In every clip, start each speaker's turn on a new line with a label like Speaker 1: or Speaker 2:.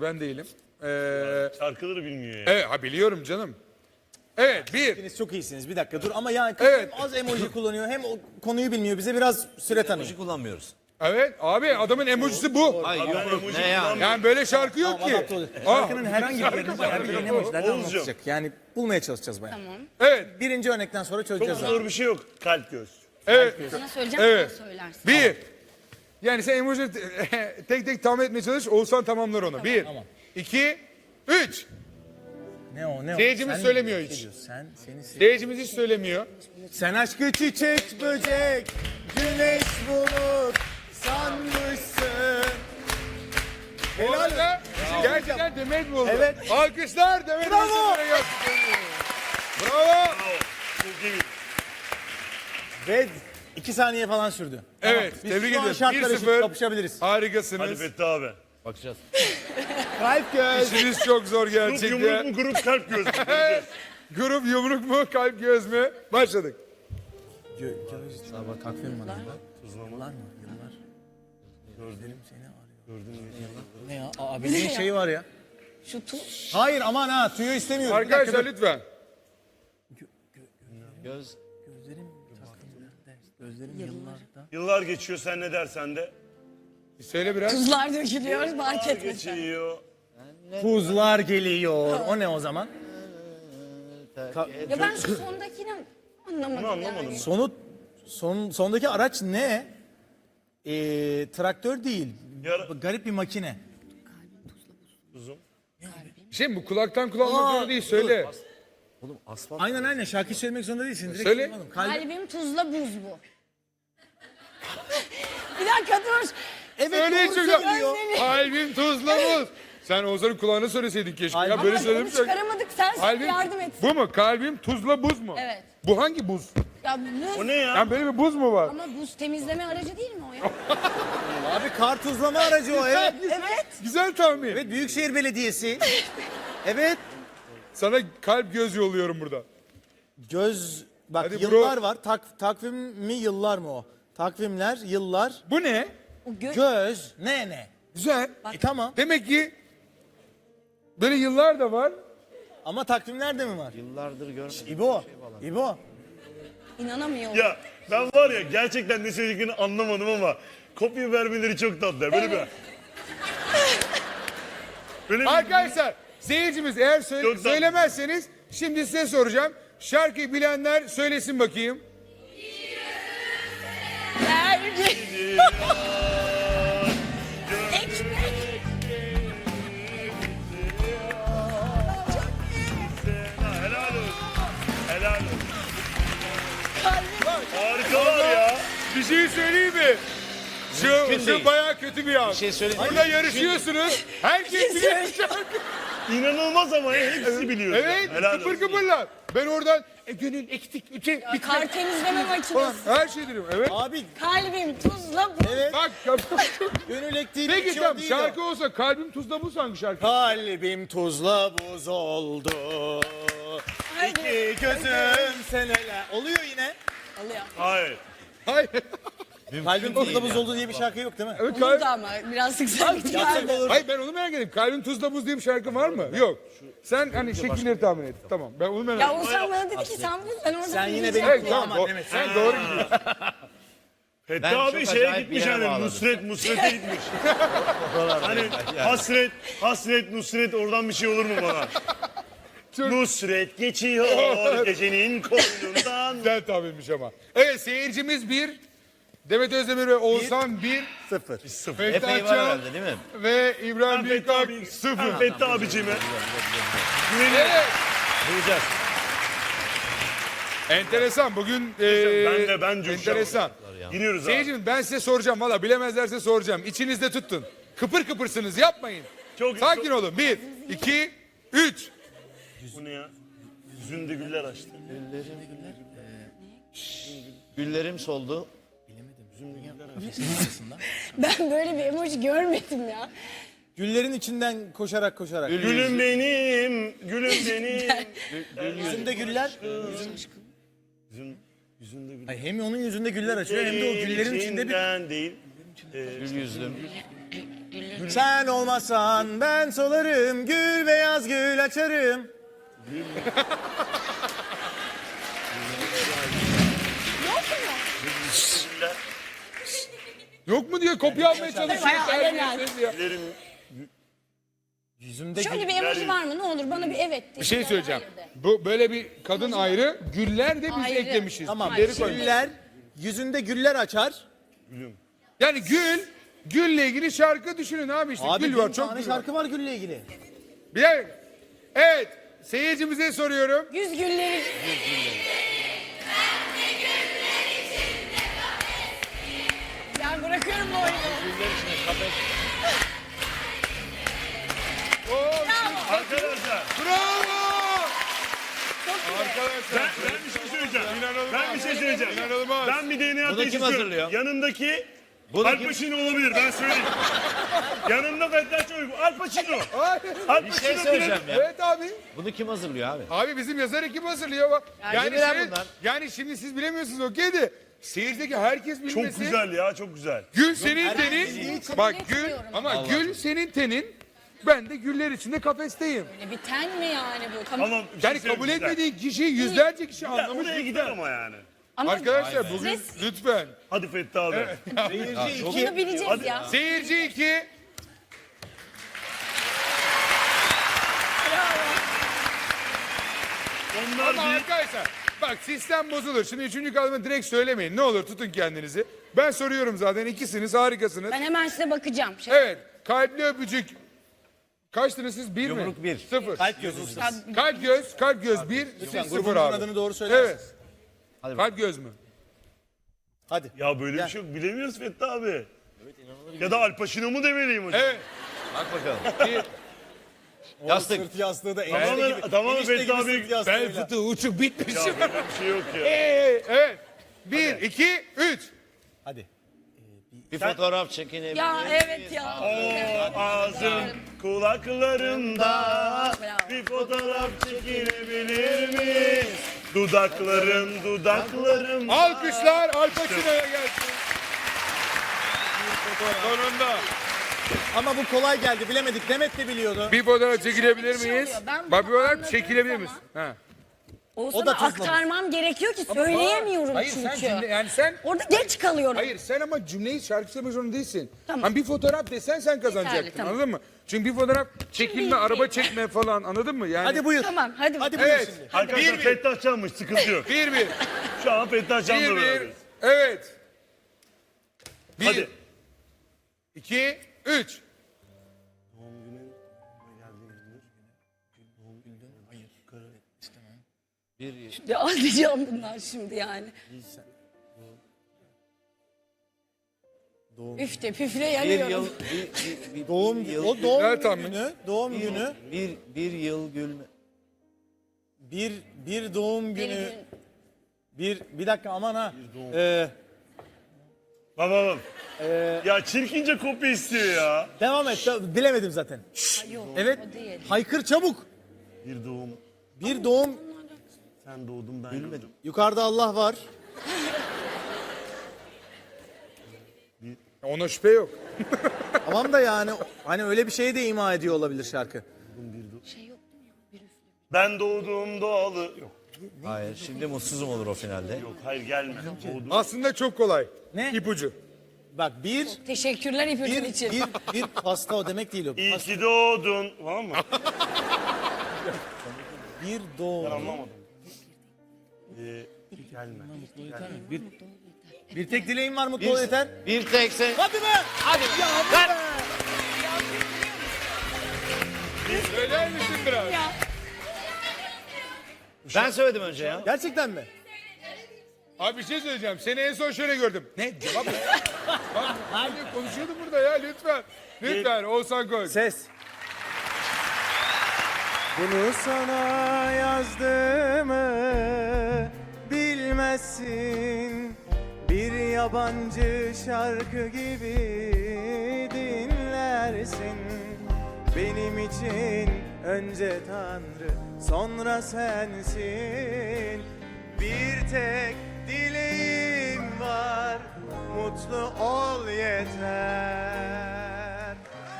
Speaker 1: ben değilim.
Speaker 2: Şarkıları bilmiyor ya.
Speaker 1: Evet, ha biliyorum canım. Evet, bir.
Speaker 3: Hepiniz çok iyisiniz. Bir dakika dur ama yani
Speaker 1: Evet.
Speaker 3: hem az emoji kullanıyor hem o konuyu bilmiyor. Bize biraz süre tanıyın.
Speaker 4: kullanmıyoruz.
Speaker 1: Evet, abi adamın emojisi bu.
Speaker 4: Ay
Speaker 2: Ben
Speaker 4: yok
Speaker 2: emoji
Speaker 4: ne ya?
Speaker 2: kullanmıyorum.
Speaker 1: Yani böyle şarkı yok ki.
Speaker 3: Adapte oluyor.
Speaker 1: Aa,
Speaker 3: Şarkının herhangi bir yerinde herhangi bir emojilerden
Speaker 2: Oğuzcuğum.
Speaker 3: anlatacak. Yani bulmaya çalışacağız bayağı.
Speaker 5: Tamam.
Speaker 1: evet,
Speaker 3: Birinci örnekten sonra
Speaker 2: Çok
Speaker 3: çözeceğiz. abi.
Speaker 2: zor bir şey yok. Kalp göz.
Speaker 1: evet,
Speaker 5: Sana söyleyeceğim,
Speaker 1: Evet.
Speaker 5: sen söylersin.
Speaker 1: bir. Yani sen emoji tek tek tahmin etmeye çalış, Oğuzhan tamamlar onu. Bir, iki, üç.
Speaker 3: Ne o ne o?
Speaker 1: Seyircimiz
Speaker 3: Sen
Speaker 1: söylemiyor
Speaker 3: bir şey
Speaker 1: hiç.
Speaker 3: diyorsun. Seni
Speaker 1: Seyircimiz hiç söylemiyor.
Speaker 3: Sen aşkı çiçek böcek, güneş bulut sanmışsın.
Speaker 1: Bu arada gerçekten Demet buldu.
Speaker 3: Evet.
Speaker 1: Alkışlar Demet
Speaker 3: Bravo.
Speaker 1: Özdemir'e gelsin. Bravo.
Speaker 2: Çok iyi.
Speaker 3: Ve 2 saniye falan sürdü.
Speaker 1: Evet,
Speaker 3: Biz
Speaker 1: tebrik
Speaker 3: şu an
Speaker 1: ediyorum.
Speaker 3: şartlar eşit
Speaker 1: 1-0.
Speaker 3: kapışabiliriz.
Speaker 2: Hadi
Speaker 1: Harikasınız.
Speaker 2: Fethi abi.
Speaker 4: Bakacağız.
Speaker 3: Kalp göz.
Speaker 1: İşiniz çok zor
Speaker 2: Grup yumruk
Speaker 1: gerçekten.
Speaker 2: mu grup kalp göz mü? Göreceğiz.
Speaker 1: Grup yumruk mu, kalp göz mü? Başladık.
Speaker 3: Göz. Sabah takvim var. Yıllar mı? Yıllar. Gözlerim seni arıyor. Gördün ne ya? Abinin şeyi var ya.
Speaker 5: Şu tu...
Speaker 3: Hayır aman ha tüyo istemiyorum. Bir dakika,
Speaker 1: Arkadaşlar
Speaker 3: dur.
Speaker 1: lütfen.
Speaker 4: Göz.
Speaker 3: Gözlerim takvimlerde. Gözlerim yıllarda.
Speaker 2: Yıllar geçiyor sen ne dersen de.
Speaker 1: Söyle biraz.
Speaker 5: Tuzlar dökülüyor, fark
Speaker 2: Yıllar
Speaker 5: etmesen.
Speaker 2: geçiyor.
Speaker 3: Buzlar geliyor. O ne o zaman?
Speaker 5: Ya ben şu sondakini anlamadım.
Speaker 2: Bunu anlamadım.
Speaker 5: Yani.
Speaker 3: Sondaki araç ne? Traktör değil.
Speaker 2: Yara-
Speaker 3: Garip bir makine.
Speaker 2: Uzun.
Speaker 1: Şey bu kulaktan kulağa olmak
Speaker 3: Aa,
Speaker 1: zorunda değil söyle.
Speaker 4: Oğlum asfalt.
Speaker 3: Aynen şarkı söylemek zorunda değilsin. Direkt
Speaker 1: Söyle.
Speaker 3: anladım. Kalbim.
Speaker 5: Kalbim tuzla buz bu. Bir dakika dur.
Speaker 3: Evet
Speaker 1: Söyle
Speaker 3: doğru
Speaker 1: şurada.
Speaker 3: söylüyor.
Speaker 1: Kalbim tuzla buz. Sen Oğuzhan'ın kulağına söyleseydin keşke. Ya
Speaker 3: Kalbim-
Speaker 1: böyle
Speaker 5: Ama
Speaker 1: söyledim.
Speaker 5: onu çıkaramadık, sen
Speaker 1: Kalbim,
Speaker 5: yardım et.
Speaker 1: bu mu? Kalbim tuzla buz mu?
Speaker 5: Evet.
Speaker 1: Bu hangi buz?
Speaker 5: Ya buz,
Speaker 2: O ne ya?
Speaker 1: Yani böyle bir buz mu var?
Speaker 5: ama buz temizleme aracı değil mi o ya?
Speaker 3: Abi kar tuzlama aracı o evet.
Speaker 5: Evet.
Speaker 1: Güzel tahmin.
Speaker 3: Evet Büyükşehir Belediyesi. Evet.
Speaker 1: Sana kalp göz yolluyorum burada.
Speaker 3: Göz bak
Speaker 1: Hadi
Speaker 3: yıllar
Speaker 1: bro.
Speaker 3: var. Takvim mi yıllar mı o? Takvimler, yıllar,
Speaker 1: Bu ne?
Speaker 5: O
Speaker 3: göz, ne?
Speaker 1: Güzel.
Speaker 3: Tamam.
Speaker 1: Demek ki böyle yıllar da var.
Speaker 3: Ama takvimler de mi var?
Speaker 4: Yıllardır görmedim.
Speaker 3: İbo.
Speaker 5: İnanamıyorum.
Speaker 2: Ya ben var ya gerçekten ne söylediklerini anlamadım ama kopya vermeleri çok tatlı. Böyle bir... Böyle bir...
Speaker 1: Arkadaşlar seyircimiz eğer
Speaker 2: Çok tatlı.
Speaker 1: söylemezseniz şimdi size soracağım. Şarkıyı bilenler söylesin bakayım.
Speaker 5: Vergi. Ekmek.
Speaker 2: Helal olsun. Helal olsun.
Speaker 5: Kalbim.
Speaker 2: Harikalar ya.
Speaker 1: Bir şey söyleyeyim mi? Şu
Speaker 4: değil.
Speaker 1: bayağı kötü bir an.
Speaker 4: Bir şey söyleyeyim.
Speaker 1: Burada yarışıyorsunuz. Herkes biliyor şarkı.
Speaker 2: İnanılmaz ama ya, hepsi biliyor.
Speaker 1: Evet,
Speaker 2: Helal
Speaker 1: kıpır
Speaker 2: olsun.
Speaker 1: kıpırlar. Ben oradan gönül eksik, üçe, bitmek
Speaker 5: Kar temizleme
Speaker 1: falan.
Speaker 5: makinesi.
Speaker 1: Her şey diyorum. Evet.
Speaker 3: Abi
Speaker 5: Kalbim tuzla buz.
Speaker 3: evet.
Speaker 1: Bak,
Speaker 3: Gönül ektiği
Speaker 1: peki
Speaker 3: bitiyor
Speaker 1: tamam
Speaker 3: değil
Speaker 1: şarkı
Speaker 3: o.
Speaker 1: olsa kalbim tuzla buz hangi şarkı?
Speaker 3: Kalbim tuzla buz oldu. İki gözüm senele. Oluyor yine.
Speaker 5: Alıyor.
Speaker 2: Hayır.
Speaker 1: Hayır.
Speaker 3: Kalbim tuzla buz oldu diye bir şarkı yok değil mi?
Speaker 1: Evet,
Speaker 5: Olurdu ama biraz sıksak
Speaker 3: Yapsak olur.
Speaker 1: Hayır ben onu merak ettim. Kalbim tuzla buz diye bir şarkı var mı? Yok. Sen hani şekilleri tahmin et. Tamam. Ben onu merak
Speaker 5: Ya
Speaker 1: ettim.
Speaker 5: Oğuzhan bana dedi ki sen bul, ben orada
Speaker 3: Sen yine
Speaker 5: bileceğim.
Speaker 3: benim
Speaker 1: Evet tamam.
Speaker 3: kulağıma demek.
Speaker 1: Sen doğru gidiyorsun.
Speaker 2: Fethi
Speaker 4: Ben
Speaker 2: abi
Speaker 4: çok
Speaker 2: şeye
Speaker 4: acayip
Speaker 2: gitmiş
Speaker 4: bir yere
Speaker 2: hani
Speaker 4: bağladım.
Speaker 2: Nusret'e gitmiş. Hani hasret Nusret oradan bir şey olur mu bana? Nusret geçiyor gecenin koynundan.
Speaker 1: Güzel tahminmiş ama. Evet seyircimiz bir. Demet Özdemir ve Oğuzhan bir.
Speaker 3: Sıfır.
Speaker 1: Fethi
Speaker 4: Epey var
Speaker 1: Açan
Speaker 4: herhalde değil mi?
Speaker 1: ve İbrahim
Speaker 2: Fethi
Speaker 1: Büyükak
Speaker 2: abi,
Speaker 1: sıfır.
Speaker 2: Fethi abicime. Güveniyorum.
Speaker 1: Evet.
Speaker 4: Duyacağız.
Speaker 1: Enteresan bugün
Speaker 2: Ben coşacağım.
Speaker 1: enteresan.
Speaker 2: Giriyoruz abi.
Speaker 1: Seyircim ben size soracağım valla bilemezlerse soracağım. İçinizde tutun. Kıpır kıpırsınız yapmayın.
Speaker 2: Çok-
Speaker 1: Sakin
Speaker 2: çok-
Speaker 1: olun. 1, 2, 3.
Speaker 2: Bu ne ya? Yüzünde güller açtı.
Speaker 4: Güllerim soldu.
Speaker 5: Ben böyle bir emoji görmedim ya.
Speaker 3: Güllerin içinden koşarak.
Speaker 2: Gülüm benim, gülüm benim.
Speaker 3: Yüzünde güller.
Speaker 2: Yüzünde güller.
Speaker 3: Ay, hem onun yüzünde güller açıyor hem de o güllerin içinde bir...
Speaker 2: İçinden değil.
Speaker 4: Gül yüzlüm.
Speaker 3: Sen olmasan ben solarım, gül beyaz gül açarım.
Speaker 1: Yok mu diye kopya almaya çalışıyor.
Speaker 5: Bayağı alenen.
Speaker 1: Terbiyesiz ya.
Speaker 2: Güllerim
Speaker 3: Yüzümde
Speaker 5: Şöyle bir emoji var mı? Ne olur bana bir evet de.
Speaker 1: Bir şey söyleyeceğim.
Speaker 5: Hayır de.
Speaker 1: Bu böyle bir kadın ayrı, güller de biz
Speaker 5: Ayrı.
Speaker 1: eklemişiz.
Speaker 3: Tamam.
Speaker 1: Gülleri koymuş.
Speaker 3: Güller, yüzünde güller açar.
Speaker 1: Yani gülle ilgili şarkı düşünün abi işte.
Speaker 3: Abi
Speaker 1: Gül
Speaker 3: bin
Speaker 1: var, çok
Speaker 3: tane
Speaker 1: gül var.
Speaker 3: şarkı var gülle ilgili.
Speaker 1: Bir dakika. Evet, seyircimize soruyorum.
Speaker 5: Yüz gülleri. Ben bırakıyorum bu oyunu.
Speaker 2: arkadaşlar.
Speaker 1: Bravo! Arkadaşlar.
Speaker 2: Ben bir şey söyleyeceğim.
Speaker 1: İnanılmaz.
Speaker 2: Ben bir şey söyleyeceğim.
Speaker 1: İnanılmaz.
Speaker 2: Ben bir DNA
Speaker 4: Bunu
Speaker 2: testi
Speaker 4: kim
Speaker 2: istiyorum.
Speaker 4: hazırlıyor?
Speaker 2: Yanındaki
Speaker 4: Bunu
Speaker 2: Al
Speaker 4: kim-
Speaker 2: Pacino olabilir ben söyleyeyim. Yanında Fettah Çoruk. Al Pacino. Al
Speaker 4: Bir
Speaker 2: Pacino
Speaker 4: şey söyleyeceğim ya.
Speaker 1: Evet abi.
Speaker 4: Bunu kim hazırlıyor abi?
Speaker 1: Abi bizim yazar ekip hazırlıyor bak. Yani,
Speaker 4: bilen
Speaker 1: şey-
Speaker 4: bunlar.
Speaker 1: yani şimdi siz bilemiyorsunuz okey de seyircideki herkes bilmesi.
Speaker 2: Çok güzel ya çok güzel.
Speaker 1: Gül senin tenin. Bak gül
Speaker 5: etmiyorum.
Speaker 1: ama gül senin tenin. Ben de güller içinde kafesteyim.
Speaker 5: Böyle bir ten mi yani bu? Tamam.
Speaker 2: Ama bir şey
Speaker 1: Yani kabul
Speaker 2: söyleyeyim, güzel.
Speaker 1: etmediği kişi yüzlerce kişi
Speaker 2: Ya,
Speaker 1: anlamış.
Speaker 2: oraya gider ama yani.
Speaker 5: Ama
Speaker 1: Arkadaşlar bugün lütfen.
Speaker 2: Hadi Fettah abi.
Speaker 5: bunu bileceğiz ya.
Speaker 1: Seyirci 2.
Speaker 2: Onlar
Speaker 1: Ama
Speaker 2: bir
Speaker 1: arkadaşlar bak sistem bozulur. Şimdi 3. kalımı direkt söylemeyin. Ne olur tutun kendinizi. Ben soruyorum zaten ikisiniz harikasınız.
Speaker 5: Ben hemen size bakacağım.
Speaker 1: Evet kalpli öpücük. Kaçtınız siz? 1 mi?
Speaker 4: Yumruk bir.
Speaker 1: 0.
Speaker 3: Kalp gözü.
Speaker 1: Kalp göz 1. Siz
Speaker 3: Lütfen
Speaker 1: 0
Speaker 3: grubunuzun
Speaker 1: abi.
Speaker 3: adını doğru söyler
Speaker 1: Evet.
Speaker 3: misiniz?
Speaker 4: Hadi
Speaker 1: Kalp göz mü?
Speaker 3: Hadi.
Speaker 2: ya böyle bir şey yok bilemiyoruz Fettah abi. Ya da Al Pacino mu demeliyim hocam?
Speaker 1: Evet.
Speaker 4: Bak bakalım. Yastık.
Speaker 3: Sırt yastığı da
Speaker 2: Tamamen-
Speaker 3: enişte gibi.
Speaker 2: tamamen
Speaker 3: enişte
Speaker 2: Fettah
Speaker 3: gibi
Speaker 2: abi-
Speaker 3: sırt yastığıyla.
Speaker 1: Bel fıtığı uçuk bitmiş.
Speaker 2: Ya böyle bir şey yok ya.
Speaker 1: Evet. 1, 2, 3.
Speaker 3: Hadi.
Speaker 4: Bir fotoğraf çekinebilir
Speaker 5: Ya
Speaker 4: miyiz?
Speaker 5: evet ya.
Speaker 2: O ağzım kulaklarımda
Speaker 5: Bravo.
Speaker 2: bir fotoğraf çekilebilir mi? Dudaklarım.
Speaker 1: Alkışlar Al Pacino'ya gelsin. Sonunda.
Speaker 3: Ama bu kolay geldi bilemedik. Demet de biliyordu.
Speaker 1: Bir fotoğraf çekilebilir
Speaker 5: bir şey
Speaker 1: miyiz?
Speaker 5: oluyor. Ben bunu
Speaker 1: Bak bir fotoğraf
Speaker 5: anladığım
Speaker 1: çekilebilir
Speaker 5: zaman-
Speaker 1: misin? Ha.
Speaker 5: O
Speaker 3: da
Speaker 5: da
Speaker 3: tuzlamış.
Speaker 5: aktarmam gerekiyor ki söyleyemiyorum
Speaker 1: Hayır
Speaker 5: çünkü.
Speaker 1: sen cümle yani sen
Speaker 5: Orada geç kalıyorum.
Speaker 1: hayır sen ama cümleyi şarkı söylemek zorunda değilsin.
Speaker 5: Tamam.
Speaker 1: Hani bir fotoğraf desen sen kazanacaktın
Speaker 5: Yeterli, tamam.
Speaker 1: anladın mı? Çünkü bir fotoğraf çekilme,
Speaker 5: Şimdi-
Speaker 1: araba çekme falan anladın mı? Yani
Speaker 3: Hadi buyur.
Speaker 5: Tamam hadi.
Speaker 3: Hadi
Speaker 5: bakalım.
Speaker 3: buyur
Speaker 1: Evet.
Speaker 3: şimdi.
Speaker 2: Arkadaşlar
Speaker 1: Bir, bir.
Speaker 2: Fettah Can'mış sıkıntı yok.
Speaker 1: 1-1.
Speaker 2: Şu an Fettah Can'la
Speaker 1: 1-1.
Speaker 2: beraberiz.
Speaker 1: Evet. 1
Speaker 2: Hadi.
Speaker 1: 2 3.
Speaker 5: Ya ağlayacağım bunlar şimdi yani. Üf de püfle
Speaker 4: Bir
Speaker 5: yanıyorum.
Speaker 4: yıl,
Speaker 3: Doğum
Speaker 4: yıl,
Speaker 3: o doğum
Speaker 1: Güzel tahmin.
Speaker 3: günü, doğum günü,
Speaker 4: bir yıl gülme.
Speaker 3: bir doğum
Speaker 5: Bir
Speaker 3: günü,
Speaker 5: gün.
Speaker 3: bir dakika aman ha.
Speaker 2: Bak. Ya çirkince kopya istiyor ya.
Speaker 3: Devam et. Bilemedim zaten.
Speaker 5: Ay yok
Speaker 3: Evet.
Speaker 5: o değil.
Speaker 3: Haykır çabuk.
Speaker 2: Bir doğum.
Speaker 3: Bir doğum.
Speaker 2: Sen doğdun ben gülmedim.
Speaker 3: Yukarıda Allah var.
Speaker 1: Ona şüphe yok.
Speaker 3: Tamam da yani hani öyle bir şey de ima ediyor olabilir şarkı.
Speaker 5: Şey yok mu ya? Bir üfle.
Speaker 2: Ben doğdum doğalı. Yok.
Speaker 4: Hayır şimdi mutsuzum olur o finalde.
Speaker 2: Yok hayır gelme. Doğdum.
Speaker 1: Aslında çok kolay.
Speaker 3: Ne?
Speaker 1: İpucu.
Speaker 3: Bak
Speaker 5: Teşekkürler ipucun için.
Speaker 3: bir pasta o demek değil o.
Speaker 2: İyi ki doğdun. Tamam mı?
Speaker 3: Bir
Speaker 2: Ben
Speaker 3: doğum.
Speaker 2: anlamadım. Gelme.
Speaker 3: Bir tek dileğim var mutlu ol yeter.
Speaker 4: Bir tek sen.
Speaker 3: Hadi be.
Speaker 4: Hadi.
Speaker 3: Ver.
Speaker 1: Söyler misin biraz?
Speaker 4: Ben söyledim önce ya.
Speaker 3: Gerçekten mi?
Speaker 1: Abi bir şey söyleyeceğim. Seni en son şöyle gördüm. Ne? Cevap ne? Bak hani konuşuyordum burada ya lütfen. Lütfen Oğuzhan Koç.
Speaker 3: Ses. Bunu sana yazdığımı bilmezsin. Bir yabancı şarkı gibi dinlersin. Benim için önce Tanrı, sonra sensin. Bir tek dileğim var, mutlu ol yeter.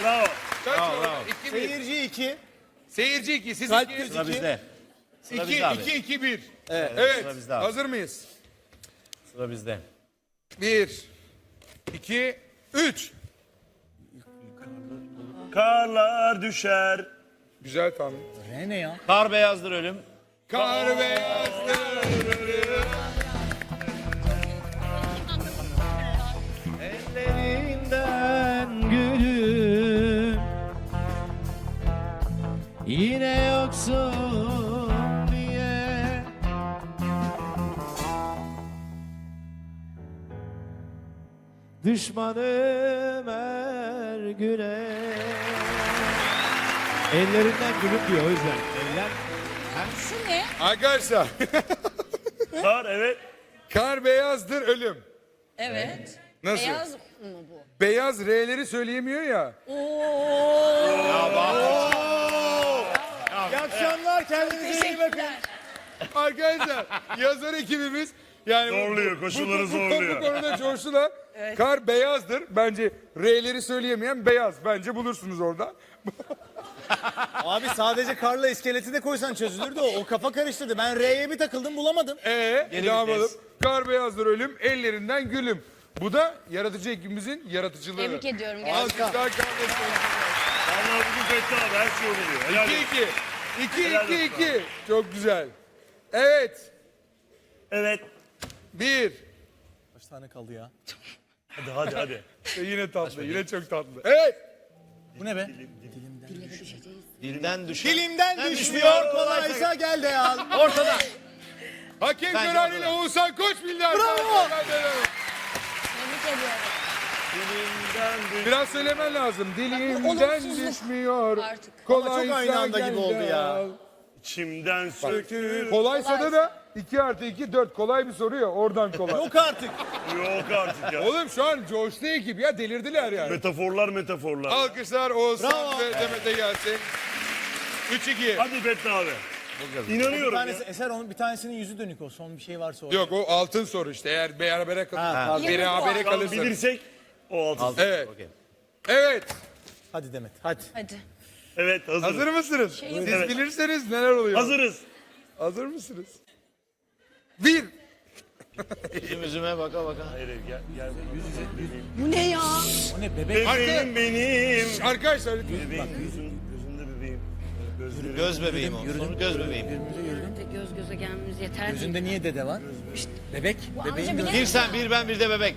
Speaker 2: Bravo.
Speaker 1: Kaç
Speaker 4: Bravo,
Speaker 1: oldu?
Speaker 4: bravo.
Speaker 1: 2-1.
Speaker 3: Seyirci 2.
Speaker 1: Seyirci 2. Siz
Speaker 3: Kalp
Speaker 1: 2.
Speaker 3: krizi.
Speaker 4: Sıra bizde. Sıra
Speaker 1: 2,
Speaker 4: bizde abi.
Speaker 1: 2, 2, 1.
Speaker 3: Evet.
Speaker 1: Evet.
Speaker 4: Sıra bizde abi.
Speaker 1: Hazır mıyız?
Speaker 4: Sıra bizde.
Speaker 1: 1, 2, 3.
Speaker 2: Karlar düşer.
Speaker 1: Güzel tahmin.
Speaker 3: R ne ya?
Speaker 4: Kar beyazdır ölüm.
Speaker 1: Kar beyazdır.
Speaker 4: Ellerinden gülüm yine yoksun diye. Düşmanım her güne.
Speaker 6: Ellerinden gülüp diyor o yüzden. Eller
Speaker 5: Şu ne?
Speaker 1: Arkadaşlar.
Speaker 2: Kar evet.
Speaker 1: Kar beyazdır ölüm.
Speaker 5: Evet.
Speaker 1: Nasıl?
Speaker 5: Beyaz mı bu?
Speaker 1: Beyaz R'leri söyleyemiyor ya.
Speaker 5: Oo.
Speaker 3: İyi akşamlar, kendinize iyi bakın.
Speaker 5: Teşekkürler.
Speaker 1: Arkadaşlar yazar ekibimiz yani
Speaker 2: Zorluyor, koşulları zorluyor.
Speaker 1: Bu konuda coştular. Kar beyazdır. Bence R'leri söyleyemeyen beyaz. Bence bulursunuz orada.
Speaker 3: Abi sadece karla iskeleti de koysan çözülürdü o. O kafa karıştırdı. Ben R'ye bir takıldım bulamadım.
Speaker 1: Devam edelim. Kar beyazdır ölüm, ellerinden gülüm. Bu da yaratıcı ekibimizin yaratıcılığı.
Speaker 5: Tebrik ediyorum gerçekten.
Speaker 1: Alkışlar kardeşlerim.
Speaker 2: Vallahi bugün Fethi abi her şey oluyor. Helal olsun.
Speaker 1: 2-2. 2-2. Çok güzel. Evet.
Speaker 2: Evet.
Speaker 1: 1.
Speaker 3: Kaç tane kaldı ya?
Speaker 2: Hadi.
Speaker 1: Yine tatlı. Yine çok tatlı. Evet.
Speaker 3: Bu ne be?
Speaker 4: Dilden düşer.
Speaker 3: Dilimden düşmüyor kolaysa gel de al.
Speaker 4: Ortada.
Speaker 1: Hakem
Speaker 4: Bence
Speaker 1: kararıyla
Speaker 4: orada.
Speaker 1: Oğuzhan Koç bildi.
Speaker 3: Bravo.
Speaker 5: Tebrik ediyorum.
Speaker 1: Biraz söylemen lazım. Dilimden
Speaker 5: olumsuzluk
Speaker 1: düşmüyor.
Speaker 5: artık.
Speaker 1: Kolaysa
Speaker 3: Ama çok aynı anda
Speaker 1: gel
Speaker 3: gibi oldu
Speaker 1: de
Speaker 3: ya.
Speaker 1: al.
Speaker 2: İçimden sökül.
Speaker 1: Kolaysa da 2 artı 2 4. Kolay bir soru ya. Oradan kolay.
Speaker 3: Yok artık.
Speaker 2: Yok artık ya.
Speaker 1: Oğlum şu an coştu ekip ya. Delirdiler yani.
Speaker 2: Metaforlar.
Speaker 1: Alkışlar Oğuzhan
Speaker 3: Bravo.
Speaker 1: ve Demet'e gelsin. 3-2.
Speaker 2: Hadi Fethi abi.
Speaker 3: Bir
Speaker 2: İnanıyorum ya.
Speaker 3: tanesi Eser onun bir tanesinin yüzü dönük o. Son bir şey varsa o.
Speaker 1: Yok o altın soru işte. Eğer berabere
Speaker 3: pardon.
Speaker 1: berabere
Speaker 2: Tamam,
Speaker 1: kalırsa.
Speaker 2: bilirsek o altın.
Speaker 1: Evet.
Speaker 4: Okey.
Speaker 1: Evet.
Speaker 3: Hadi Demet hadi.
Speaker 5: Hadi.
Speaker 2: Evet hazırız.
Speaker 1: Hazır mısınız?
Speaker 5: Şey-
Speaker 1: Siz
Speaker 2: Evet.
Speaker 1: bilirseniz neler oluyor?
Speaker 2: Hazırız.
Speaker 1: Hazır mısınız? 1.
Speaker 4: Yüzüme baka baka.
Speaker 2: Hayır gel.
Speaker 5: Bu ne ya?
Speaker 3: O ne bebek?
Speaker 2: Bebeğim benim.
Speaker 1: Arkadaşlar
Speaker 2: Bebeğim gözünde bebeğim. Gözlerim.
Speaker 4: Göz bebeğim o. Sonu göz bebeğim.
Speaker 5: Göz göze gelmemiz yeter.
Speaker 3: Gözünde niye dede var? Bebek.
Speaker 5: Bu
Speaker 3: Bebeğin
Speaker 5: anca
Speaker 3: gözü.
Speaker 5: bile-
Speaker 4: Bir sen bir ben bir de bebek.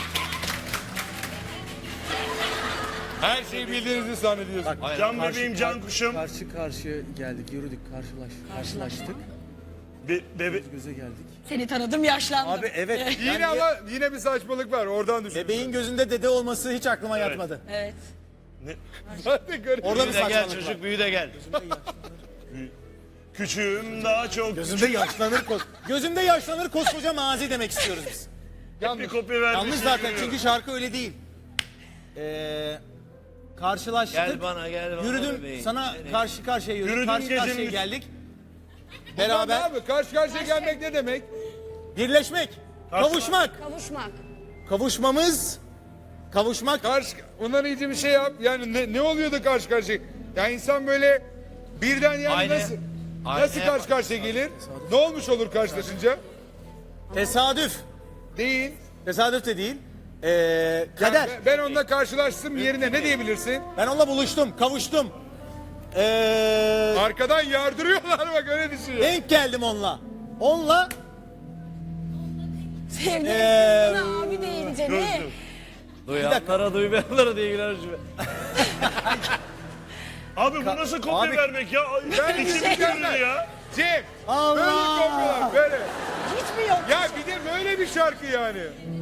Speaker 1: her şeyi bildiğinizi zannediyorsun.
Speaker 2: Can bebeğim, can kuşum.
Speaker 3: Karşı karşıya geldik, yürüdük, karşılaştık.
Speaker 2: Bebe
Speaker 3: Göze geldik.
Speaker 5: Seni tanıdım yaşlandım.
Speaker 3: Abi evet.
Speaker 1: Yine ama yine bir saçmalık var. Oradan düşün.
Speaker 3: Bebeğin gözünde dede olması hiç aklıma yatmadı.
Speaker 5: Evet.
Speaker 1: Hadi görün.
Speaker 3: Orada bir
Speaker 4: Büyü de gel
Speaker 3: saçmalık var.
Speaker 4: çocuk büyü de gel.
Speaker 2: küçüğüm daha çok.
Speaker 3: Gözümde yaşlanır Gözümde yaşlanır koskoca mazi demek istiyoruz biz.
Speaker 2: Bir kopya vermiş.
Speaker 3: Yanlış zaten çünkü şarkı öyle değil. Karşılaştık.
Speaker 4: Gel bana gel bana
Speaker 3: Yürüdüm
Speaker 4: bebeğim.
Speaker 3: sana karşı karşıya yürüdük.
Speaker 2: Yürüdüm
Speaker 3: Karşı karşıya
Speaker 2: gecenin-
Speaker 3: geldik.
Speaker 1: Beraber.
Speaker 3: Beraber
Speaker 1: Abi karşı karşıya gelmek ne demek?
Speaker 3: birleşmek, kavuşmak.
Speaker 5: Kavuşmak.
Speaker 3: Kavuşmak.
Speaker 1: Ondan iyice bir şey yap. Yani ne oluyordu karşı karşıya? Ya insan böyle birden yani
Speaker 4: Aynı-
Speaker 1: nasıl
Speaker 4: aynı-
Speaker 1: karşı karşıya gelir? Ne olmuş olur karşılaşınca?
Speaker 3: Tesadüf.
Speaker 1: Değil.
Speaker 3: Tesadüf de değil. Kader.
Speaker 1: Ben onunla karşılaştım yerine ne diyebilirsin?
Speaker 3: Ben onunla buluştum, kavuştum.
Speaker 1: Arkadan yardırıyorlar bak öyle düşüyor.
Speaker 3: Denk geldim onunla. Onunla
Speaker 5: Sevdim. Buna abi deyince ne?
Speaker 4: Duyanlara duymayanlara diye girer şimdi.
Speaker 2: Abi bu nasıl kopya
Speaker 3: Abi-
Speaker 2: vermek ya?
Speaker 1: Ben
Speaker 2: İçim
Speaker 1: bir şey
Speaker 2: görüldü ya.
Speaker 1: Cem
Speaker 3: Allah!
Speaker 1: böyle kopyalar böyle.
Speaker 5: Hiç mi yok?
Speaker 1: Ya bir de böyle bir şarkı yani.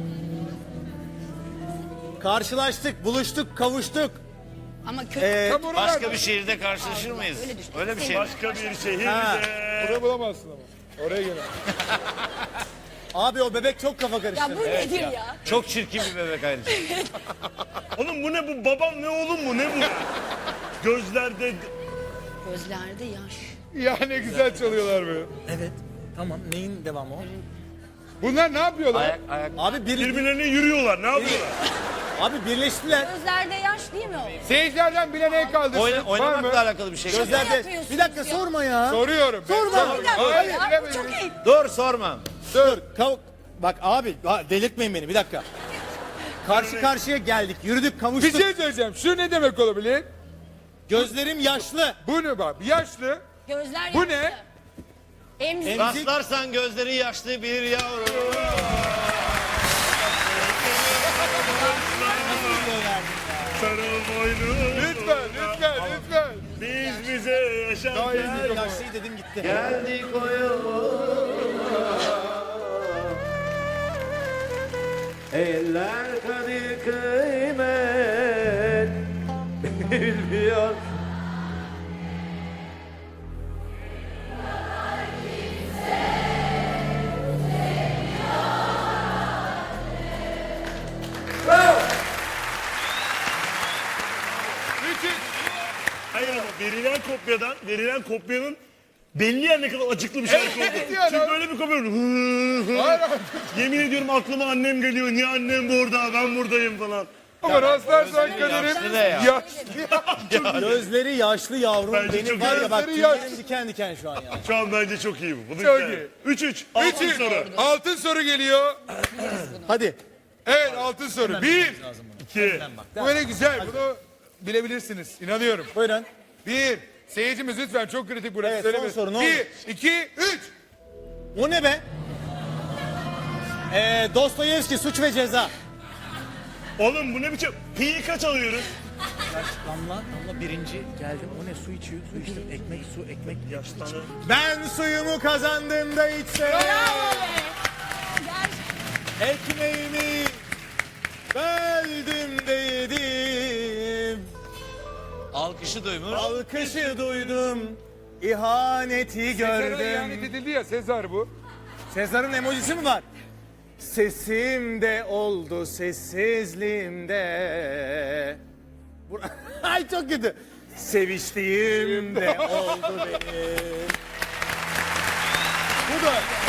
Speaker 3: karşılaştık, buluştuk, kavuştuk.
Speaker 5: Ama kötü.
Speaker 1: Tam oralar.
Speaker 4: Başka bir şehirde karşılaşır mıyız?
Speaker 5: Öyle düşün.
Speaker 4: Öyle bir şey mi?
Speaker 2: Başka bir şehirde.
Speaker 1: Oraya bulamazsın ama. Oraya gel.
Speaker 3: Abi o bebek çok kafa
Speaker 5: Ya
Speaker 3: karıştırdı.
Speaker 5: bu nedir ya?
Speaker 4: Çok çirkin bir bebek ayrıca.
Speaker 2: Oğlum bu ne bu? Babam ne oğlum bu? Ne bu? Gözlerde
Speaker 5: Gözlerde yaş.
Speaker 1: Ya ne güzel çalıyorlar böyle.
Speaker 3: Evet. Tamam. Neyin devamı o?
Speaker 1: Bunlar ne yapıyorlar?
Speaker 4: Ayak
Speaker 3: Abi bir
Speaker 2: birbirlerine yürüyorlar. Ne yapıyorlar?
Speaker 3: Abi birleştiler.
Speaker 5: Gözlerde yaş değil mi o?
Speaker 1: Seyircilerden bilen el kaldırsın. Var mı?
Speaker 4: Oynamakla alakalı bir şey.
Speaker 3: Gözlerde.
Speaker 5: yapıyorsunuz
Speaker 3: Bir dakika
Speaker 5: ya?
Speaker 3: sorma ya.
Speaker 1: Soruyorum. ben.
Speaker 3: Sorma.
Speaker 5: Bir dakika
Speaker 1: Hayır,
Speaker 5: ya, bu
Speaker 1: bilemedim.
Speaker 5: çok iyi.
Speaker 4: Dur sorma.
Speaker 3: Dur. Bak abi delirtmeyin beni bir dakika. Karşı karşıya geldik. Yürüdük
Speaker 1: Bir
Speaker 3: kavuştuk.
Speaker 1: şey söyleyeceğim. Şu ne demek olabilir?
Speaker 3: Gözlerim yaşlı.
Speaker 1: Bu ne bak? Yaşlı.
Speaker 5: Gözler
Speaker 1: Bu
Speaker 5: yaşlı.
Speaker 1: ne?
Speaker 5: Emzik.
Speaker 4: Rastlarsan gözleri yaşlı bir yavru.
Speaker 2: Sarıl boynum.
Speaker 1: Lütfen, lütfen, lütfen.
Speaker 2: Biz bize yaşarken.
Speaker 3: Yaşlı dedim gitti.
Speaker 4: Geldik o Eller kadir kıymet bilmiyor.
Speaker 1: Müthiş.
Speaker 2: Hayır ama verilen kopyanın belli yer ne kadar acıklı bir şarkı oldu.
Speaker 1: Evet yani.
Speaker 2: Çünkü böyle bir kopya.
Speaker 1: Hayır, hayır.
Speaker 2: Yemin ediyorum aklıma annem geliyor. Niye annem burada? Ben buradayım falan.
Speaker 1: Ama rastlarsan
Speaker 4: yaşlı
Speaker 1: kaderim
Speaker 4: ne ya?
Speaker 1: yaşlı.
Speaker 3: Gözleri yaşlı yavrum.
Speaker 2: Bence
Speaker 3: Benim
Speaker 2: çok
Speaker 3: var ya bak
Speaker 1: gözleri
Speaker 3: tüylerim
Speaker 1: yaşlı.
Speaker 3: diken diken şu an ya.
Speaker 2: Şu an bence çok iyi bu. Bunu
Speaker 1: Çok
Speaker 2: güzel.
Speaker 1: iyi.
Speaker 2: 3-3. Altın
Speaker 1: Üç.
Speaker 2: soru.
Speaker 1: Altın soru geliyor.
Speaker 3: Hadi.
Speaker 1: Evet, altın soru. 1.
Speaker 2: 2.
Speaker 1: Bu böyle güzel. Bunu bilebilirsiniz. İnanıyorum.
Speaker 3: Buyurun.
Speaker 1: 1. Seyircimiz lütfen, çok kritik burası.
Speaker 3: Evet, son
Speaker 1: Söylemeyin.
Speaker 3: soru, ne
Speaker 1: 1, 2, 3.
Speaker 3: O ne be? Dostoyevski Suç ve Ceza.
Speaker 2: Oğlum bu ne biçim? Pi'yi kaç alıyoruz?
Speaker 3: Damla birinci geldim. O ne su içiyor? Su içtim. Ekmek su ekmek.
Speaker 2: Yaşlanır.
Speaker 3: Ben suyumu kazandığımda içsem. Ekmeğimi böldüm de yedim.
Speaker 4: Alkışı duymuş.
Speaker 3: Alkışı duydum. İhaneti
Speaker 1: Sezar'a ihanet
Speaker 3: gördüm.
Speaker 1: edildi ya, Sezar bu.
Speaker 3: Sezar'ın emojisi mi var? Sesimde oldu sessizliğimde. Ay çok kötü. Seviştiğimde oldu benim. Bu da